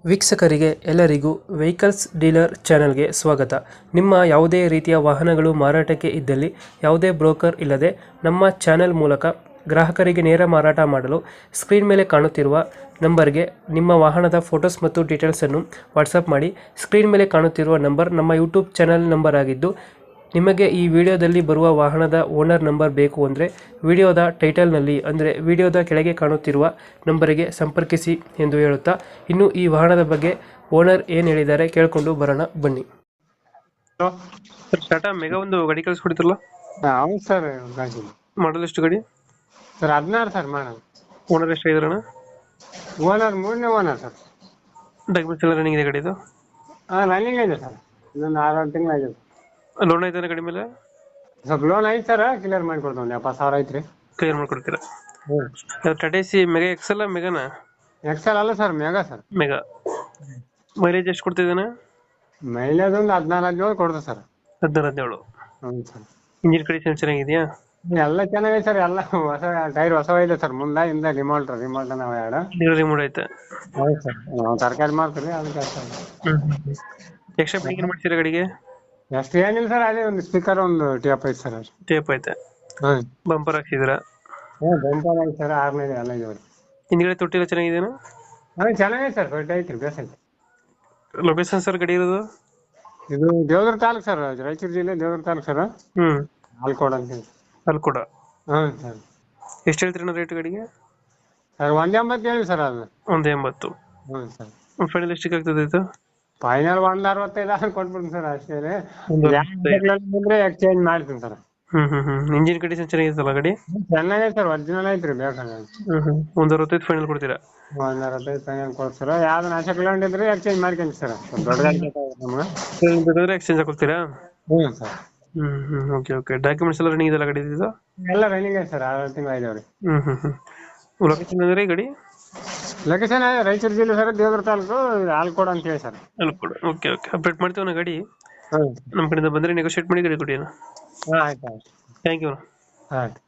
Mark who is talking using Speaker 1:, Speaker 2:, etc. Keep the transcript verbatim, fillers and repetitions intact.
Speaker 1: ವೀಕ್ಷಕರಿಗೆ ಎಲ್ಲರಿಗೂ vehicles dealer ಚಾನೆಲ್ಗೆ ಸ್ವಾಗತ. ನಿಮ್ಮ ಯಾವುದೇ ರೀತಿಯ ವಾಹನಗಳು ಮಾರಾಟಕ್ಕೆ ಇದ್ದಲ್ಲಿ ಯಾವುದೇ ಬ್ರೋಕರ್ ಇಲ್ಲದೆ ನಮ್ಮ ಚಾನೆಲ್ ಮೂಲಕ ಗ್ರಾಹಕರಿಗೆ ನೇರ ಮಾರಾಟ ಮಾಡಲು ಸ್ಕ್ರೀನ್ ಮೇಲೆ ಕಾಣುತ್ತಿರುವ ನಂಬರ್ಗೆ ನಿಮ್ಮ ವಾಹನದ ಫೋಟೋಸ್ ಮತ್ತು ಡೀಟೇಲ್ಸನ್ನು ವಾಟ್ಸಪ್ ಮಾಡಿ. ಸ್ಕ್ರೀನ್ ಮೇಲೆ ಕಾಣುತ್ತಿರುವ ನಂಬರ್ ನಮ್ಮ ಯೂಟ್ಯೂಬ್ ಚಾನೆಲ್ ನಂಬರ್ ಆಗಿದ್ದು, ನಿಮಗೆ ಈ ವಿಡಿಯೋದಲ್ಲಿ ಬರುವ ವಾಹನದ ಓನರ್ ನಂಬರ್ ಬೇಕು ಅಂದರೆ ವಿಡಿಯೋದ ಟೈಟಲ್ನಲ್ಲಿ ಅಂದರೆ ವಿಡಿಯೋದ ಕೆಳಗೆ ಕಾಣುತ್ತಿರುವ ನಂಬರಿಗೆ ಸಂಪರ್ಕಿಸಿ ಎಂದು ಹೇಳುತ್ತಾ, ಇನ್ನು ಈ ವಾಹನದ ಬಗ್ಗೆ ಓನರ್ ಏನು ಹೇಳಿದ್ದಾರೆ ಕೇಳಿಕೊಂಡು ಬರೋಣ ಬನ್ನಿ.
Speaker 2: ಹಲೋ
Speaker 1: ಸರ್, ಟಾಟಾ ಮೆಗಾ ಒಂದು ಗಾಡಿ ಕಳಿಸ್ಕೊಡ್ತಿರಲ್ಲ,
Speaker 2: ಹೌದು ಸರ್ ಗಾಡಿ
Speaker 1: ಮಾಡಲ್ ಎಷ್ಟು ಗಾಡಿ?
Speaker 2: ಸರ್ ಹದಿನಾರು ಸರ್ ಮಾಡೋದು.
Speaker 1: ಓನರ್ ಎಷ್ಟು ಆಗಿದ್ರಣ?
Speaker 2: ಓನರ್ ಮೂರನೇ ಓನರ್ ಸರ್.
Speaker 1: ಡಾಕ್ಯುಮೆಂಟ್ಸ್ ಎಲ್ಲ ರನ್ನಿಂಗ್ ಇದೆ ಗಾಡಿದು?
Speaker 2: ಹಾಂ ರನ್ನಿಂಗ್ ಇದೆ ಸರ್, ಇನ್ನೊಂದು ಆರು ತಿಂಗಳು ಆಗಿದೆ.
Speaker 1: ಲೋನ್ ಐತೆ ಗಾಡಿ ಮೇಲೆ?
Speaker 2: ಸ್ವಲ್ಪ ಲೋನ್ ಐತೆ ಸರ್, ಕ್ಲಿಯರ್ ಮಾಡಿಕೊಡ್ತೀವಿ. ಒಂದು ಎಪ್ಪತ್ತು ಸಾವಿರ ಐತ್ರಿ.
Speaker 1: ಕ್ಲಿಯರ್ ಮಾಡ್ಕೊಡ್ತೀರಾ?
Speaker 2: ಹ್ಞೂ
Speaker 1: ಟಾಟಾ ಸಿ ಮೆಗಾ ಎಕ್ಸೆಲ್ ಮೆಗಾನ?
Speaker 2: ಎಕ್ಸೆಲ್ ಅಲ್ಲ sir, mega sir.
Speaker 1: Mega. Mileage ಎಷ್ಟು ಕೊಡ್ತಿದ್ದಾನೆ?
Speaker 2: ಮೈಲೇಜ್ ಒಂದು ಹದಿನಾರು ಹದಿನೇಳು ಕೊಡ್ತದೆ ಸರ್.
Speaker 1: ಹದಿನಾರು ಹದಿನೇಳು.
Speaker 2: ಹ್ಞೂ ಸರ್.
Speaker 1: ಇಂಜಿನ್ ಕಂಡೀಷನ್ ಚೆನ್ನಾಗಿದೆಯಾ?
Speaker 2: ಎಲ್ಲ ಚೆನ್ನಾಗಿದೆ ಸರ್, ಎಲ್ಲ ಹೊಸ ಟೈರ್ ಹೊಸವ ಇದೆ ಸರ್. ಮುಂದೆ ಹಿಂದೆ ರಿಮೋಲ್ಟ್ ರಿಮೋಲ್ಟ್ ನಾವು ಎರಡು
Speaker 1: ರಿಮೋಟ್ ಐತೆ?
Speaker 2: ಹೌದು ಸರ್. ನಾವು ತರಕಾರಿ ಮಾಡ್ತೀವಿ ಅದಕ್ಕೆ ಸರ್.
Speaker 1: ಎಕ್ಸ್ಟ್ರಾ ಫಿಟ್ಟಿಂಗ್ ಮಾಡ್ತೀರಾ ಗಾಡಿಗೆ?
Speaker 2: ಎಷ್ಟು ಏನಿಲ್ಲ ಸರ್, ಅದೇ ಒಂದು ಸ್ಪೀಕರ್ ಒಂದು ಟೇಪ್ ಐತೆ ಸರ್.
Speaker 1: ಟೇಪ್ ಐತೆ.
Speaker 2: ಹಾಂ
Speaker 1: ಬಂಪರ್ ಹಾಕ್ಸಿದ್ದೀರಾ?
Speaker 2: ಹ್ಞೂ ಬೆಂಪರ್ ಐತೆ ಸರ್, ಆರ್ನೇ ಎಲ್ಲ ಇದೆ.
Speaker 1: ಹಿಂದ್ಗಡೆ ತೊಟ್ಟಿಲ್ಲ ಚೆನ್ನಾಗಿದೆಯಾ?
Speaker 2: ಹಾಂ ಚೆನ್ನಾಗಿದೆ ಸರ್, ದೊಡ್ಡ ಐತ್ರಿ, ಬೇಸ್ ಐತಿ.
Speaker 1: ಲೊಕೇಶನ್ ಸರ್ ಗಾಡಿ ಇರೋದು?
Speaker 2: ಇದು ದೇವದುರ್ಗ ತಾಲೂಕು ಸರ್, ರಾಯಚೂರು ಜಿಲ್ಲೆ ದೇವದುರ್ಗ ತಾಲೂಕು ಸರ್.
Speaker 1: ಹ್ಮ್.
Speaker 2: ಆಲ್ಕೋಡ್ ಅಂತ ಹೇಳಿ.
Speaker 1: ಅಲ್ಲಿ ಕೂಡ?
Speaker 2: ಹಾಂ ಸರ್.
Speaker 1: ಎಷ್ಟು ಹೇಳ್ತೀರಿ ರೇಟ್ ಗಾಡಿಗೆ?
Speaker 2: ಸರ್ ಒಂದು ಎಂಬತ್ತು ಹೇಳಿ ಸರ್ ಅದು.
Speaker 1: ಒಂದು ಎಂಬತ್ತು?
Speaker 2: ಹ್ಞೂ ಸರ್.
Speaker 1: ಫೈನಲ್ ಎಷ್ಟಕ್ಕೆ ಆಗ್ತದೆ ಇದು?
Speaker 2: ಫೈನಲ್ ಒಂದು ಅರವತ್ತೈದು ಆದ್ರೆ ಕೊಟ್ಬಿಡ್ತೀನಿ ಸರ್, ಅಷ್ಟೇ ರೀ.
Speaker 1: ಒಂದು
Speaker 2: ಬಂದರೆ ಎಕ್ಸ್ಚೇಂಜ್ ಮಾಡ್ತೀನಿ ಸರ್.
Speaker 1: ಹ್ಮ್ ಹ್ಮ್ ಹ್ಮ್ ಇಂಜಿನ್ ಕಂಡೀಷನ್ ಚೆನ್ನಾಗಿತ್ತಲ್ಲ ಗಾಡಿ?
Speaker 2: ಚೆನ್ನಾಗಿದೆ ಸರ್, ಒರಿಜಿನಲ್ ಐತ್ರಿ, ಬೇಕಾದ್ರೆ.
Speaker 1: ಹ್ಮ್ ಹ್ಮ್ ಒಂದು ಅರವತ್ತೈದು ಫೈನಲ್ ಕೊಡ್ತೀರಾ?
Speaker 2: ಒಂದು ಅರವತ್ತೈದು ಫೈನಲ್ ಕೊಡ್ತೀರ. ಯಾವ್ದು ನಾಶ ಕಿಲೋಮೀಟರ್ ಇದ್ರೆ ಎಕ್ಸ್ಚೇಂಜ್ ಮಾಡ್ಕೊಂತೀವಿ ಸರ್, ದೊಡ್ಡ ಗಾಡಿ ಬೇಕಾಗುತ್ತೆ ನಮ್ಗೆ.
Speaker 1: ಬೇಕಾದ್ರೆ ಎಕ್ಸ್ಚೇಂಜ್ ಹಾಕೊಡ್ತೀರಾ?
Speaker 2: ಹ್ಞೂ ಸರ್.
Speaker 1: ಹ್ಮ್ ಹ್ಮ್ ಓಕೆ ಓಕೆ ಡಾಕ್ಯುಮೆಂಟ್ಸ್ ಎಲ್ಲ ರನ್ನಿಂಗ್ ಇದೆಲ್ಲ ಗಾಡಿ ಇದು?
Speaker 2: ಎಲ್ಲ ರನ್ನಿಂಗ್ ಐತೆ ಸರ್, ಆರು ತಿಂಗಳು ಐದವ್ರಿ.
Speaker 1: ಹ್ಮ್ ಹ್ಮ್ ಹ್ಮ್ ಲೊಕೇಶನ್ ಅಂದ್ರೆ ಗಾಡಿ?
Speaker 2: ಲೊಕೇಶನ್ ರಾಯಚೂರು ಜಿಲ್ಲೆ ಸರ್, ದೇವದುರ್ಗ ತಾಲೂಕು, ಆಲ್ಕೋಡ್ ಅಂತ ಹೇಳಿ ಸರ್.
Speaker 1: ಅಲ್ಕೊಡ. ಓಕೆ ಓಕೆ ಅಪ್ಡೇಟ್ ಮಾಡ್ತೀವಿ ನಾ ಗಾಡಿ.
Speaker 2: ಹ್ಞೂ
Speaker 1: ನಮ್ಮ ಕಡೆಯಿಂದ ಬಂದರೆ ನೆಗೋಷಿಯೇಟ್ ಮಾಡಿ ಗಾಡಿ ಕೊಡಿ.
Speaker 2: ಹಾಂ ಆಯ್ತು ಆಯ್ತು.
Speaker 1: Thank you.
Speaker 2: ಆಯ್ತು.